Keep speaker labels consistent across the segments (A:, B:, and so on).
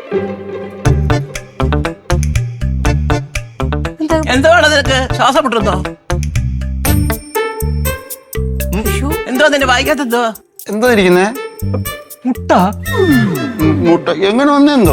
A: എന്തുവാണ് നിനക്ക്? ശ്വാസം മുട്ടുന്നോ? എന്തോ നിന്റെ വായിക്കാത്ത എന്തോ?
B: എന്തോ ഇരിക്കുന്നേ?
C: മുട്ട.
B: മുട്ട എങ്ങനെ വന്നെന്തോ?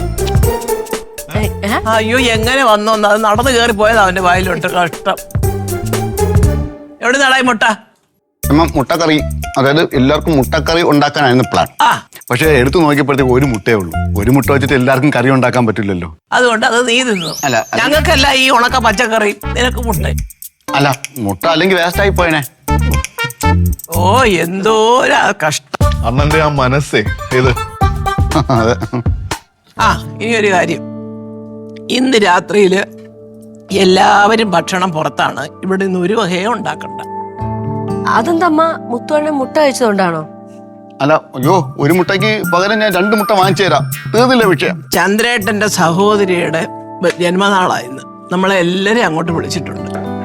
A: അയ്യോ എങ്ങനെ വന്നോന്ന്, അത് നടന്നു കയറി പോയതാ അവന്റെ വായിലോട്ട്. കഷ്ടം. എവിടെ നടായി മുട്ട?
B: അമ്മ മുട്ടക്കറി, അതായത് എല്ലാവർക്കും മുട്ടക്കറി ഉണ്ടാക്കാനായിരുന്നു പ്ലാൻ. പക്ഷെ എടുത്തു നോക്കിയപ്പോഴത്തേക്ക് ഒരു മുട്ടയേ ഉള്ളൂ. ഒരു മുട്ട വെച്ചിട്ട് എല്ലാവർക്കും കറി ഉണ്ടാക്കാൻ പറ്റില്ലല്ലോ.
A: അതുകൊണ്ട് അത് നീ തിന്നു.
B: അല്ല,
A: ഞങ്ങൾക്കല്ല ഈ ഉണക്ക പച്ചക്കറി, നിനക്ക് മുട്ട.
B: അല്ല, മുട്ട അല്ലെങ്കിൽ വേസ്റ്റ് ആയി പോയനെ.
A: ഓ എന്തോ കഷ്ടം.
D: അണ്ണന്റെ ആ മനസ്സേ ഇത്.
B: അതെ.
A: ഇനിയൊരു കാര്യം, ഇന്ന് രാത്രിയില് എല്ലാവരും ഭക്ഷണം പുറത്താണ്. ഇവിടെ നിന്ന് ഒരു വകയോ ഉണ്ടാക്കണ്ട.
E: അതെന്തമ്മ, മുത്തുവണ്ണൻ മുട്ട കഴിച്ചതുകൊണ്ടാണോ?
B: അല്ല, അയ്യോ, ഒരു മുട്ടയ്ക്ക് പകരം ഞാൻ 2 മുട്ട വാങ്ങിച്ചു തരാം. തീർന്നില്ല വിഷയം.
A: ചന്ദ്രേട്ടന്റെ സഹോദരിയുടെ ജന്മനാളായിരുന്നു. നമ്മളെ എല്ലാരും അങ്ങോട്ട് വിളിച്ചിട്ടുണ്ട്.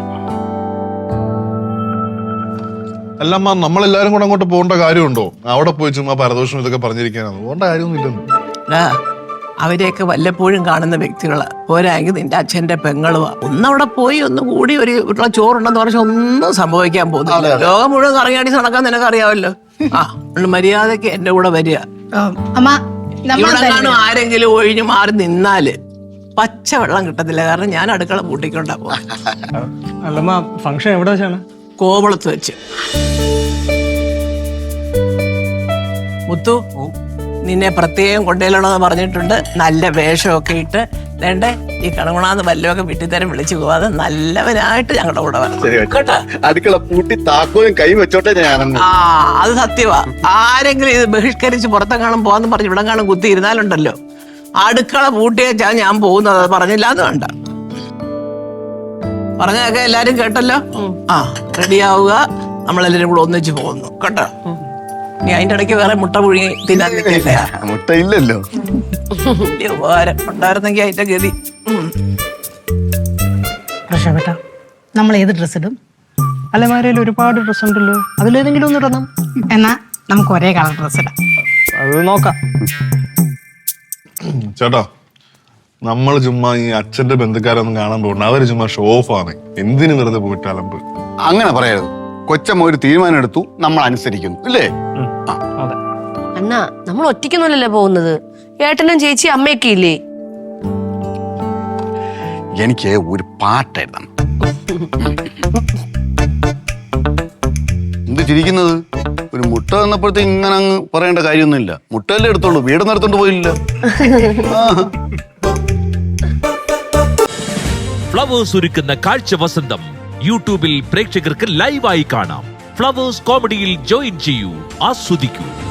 D: അല്ലമ്മ, നമ്മളെല്ലാരും കൂടെ അങ്ങോട്ട് പോകേണ്ട കാര്യമുണ്ടോ? അവിടെ പോയി ചുമ്മാ പരദോഷം ഇതൊക്കെ പറഞ്ഞിരിക്കാനാണ്. പോകേണ്ട കാര്യമൊന്നും ഇല്ലെന്ന്.
A: അവരെയൊക്കെ വല്ലപ്പോഴും കാണുന്ന വ്യക്തികളാ. പോരായെങ്കിൽ നിന്റെ അച്ഛന്റെ പെങ്ങളുവാ. ഒന്നവിടെ പോയി ഒന്ന് കൂടി ഒരു ചോറുണ്ടെന്ന് പറഞ്ഞാൽ ഒന്നും സംഭവിക്കാൻ പോകുന്നില്ല. ലോകം മുഴുവൻ കറങ്ങിയാടി നടക്കാൻ നിനക്കറിയാമല്ലോ. മര്യാദക്ക് എന്റെ കൂടെ വരിക. ഇവിടെ കാണും ആരെങ്കിലും ഒഴിഞ്ഞു മാറി നിന്നാല് പച്ച വെള്ളം കിട്ടത്തില്ല. കാരണം ഞാൻ അടുക്കള പൂട്ടിക്കൊണ്ടാ പോവാ.
C: അല്ലമ്മ, ഫംഗ്ഷൻ എവിടെ വെച്ചാണ്?
A: കോവളത്ത് വെച്ച്. മുത്തു, നിന്നെ പ്രത്യേകം കൊണ്ടുവരണമെന്ന് പറഞ്ഞിട്ടുണ്ട്. നല്ല വേഷമൊക്കെ ഇട്ട് വേണ്ടേ, ഈ കണകുണാന്ന് വല്ലതൊക്കെ വിട്ടിത്തരം വിളിച്ചു പോവാതെ നല്ലവനായിട്ട് ഞങ്ങളുടെ കൂടെ വരണം കേട്ടോ.
B: അടുക്കള പൂട്ടി താക്കോലും കൈ വെച്ചോട്ടെ ഞാൻ.
A: അത് സത്യവാ. ആരെങ്കിലും ഇത് ബഹിഷ്കരിച്ച് പുറത്തെങ്ങാനും പോവാന്ന് പറഞ്ഞ് ഇവിടെ കാണും കുത്തി ഇരുന്നാലുണ്ടല്ലോ, അടുക്കള പൂട്ടിയാ ഞാൻ പോകുന്നത്. അത് പറഞ്ഞില്ല എന്ന് വേണ്ട. പറഞ്ഞതൊക്കെ എല്ലാരും കേട്ടല്ലോ. റെഡിയാവുക. നമ്മളെല്ലാരും കൂടെ ഒന്നിച്ച് പോകുന്നു കേട്ടോ. നീ അതിന്റെ ഇടയ്ക്ക് വേറെ മുട്ട പുഴുങ്ങി തിന്നാൻ നിൽക്കില്ല.
B: മുട്ട ഇല്ലല്ലോ.
A: ഉപകാരം ഉണ്ടായിരുന്നെങ്കിൽ അതിന്റെ ഗതി.
F: നമ്മൾ ഏത് ഡ്രസ് ഇടും?
C: അലമാരയിൽ ഒരുപാട് ഡ്രസ് ഉണ്ടല്ലോ, അതിലേതെങ്കിലും ഒന്ന് ഇടണം.
F: എന്നാ നമുക്ക് ഒരേ കളർ ഡ്രസ് ഇടാം.
C: അത് നോക്കാം.
D: ചേട്ടാ, നമ്മൾ ചുമ്മാ ഈ അച്ഛന്റെ ബന്ധുക്കാരൊന്നും കാണാൻ പോകണ്ട. അവര് ചുമ്മാ ഷോ ഓഫ് ആണ്. എന്തിനു വെറുതെ പോയിട്ട് അലമ്പ്?
B: അങ്ങനെ പറയരുത്. കൊച്ചമ്മ ഒരു തീരുമാനം എടുത്തു, നമ്മൾ അനുസരിക്കുന്നു, ഇല്ലേ?
E: അണ്ണാ, നമ്മൾ ഒറ്റയ്ക്കൊന്നുമല്ലല്ലോ പോകുന്നത്. ഏട്ടനും ചേച്ചി അമ്മയൊക്കെ ഇല്ലേ?
B: എനിക്ക് ഒരു പാട്ട് എഴുതണം. എന്ത് ചിരിക്കുന്നത്? ഒരു മുട്ട തന്നപ്പോഴത്തേക്ക് ഇങ്ങനെ അങ്ങ് പറയേണ്ട കാര്യമൊന്നുമില്ല. മുട്ടയല്ലേ എടുത്തോളൂ, വീട് നടത്തോണ്ട് പോയില്ല.
G: ഫ്ലവേഴ്സ് ഒരുക്കുന്ന കാഴ്ച വസന്തം യൂട്യൂബിൽ പ്രേക്ഷകർക്ക് ലൈവായി കാണാം. ഫ്ലവേഴ്സ് കോമഡിയിൽ ജോയിൻ ചെയ്യൂ, ആസ്വദിക്കൂ.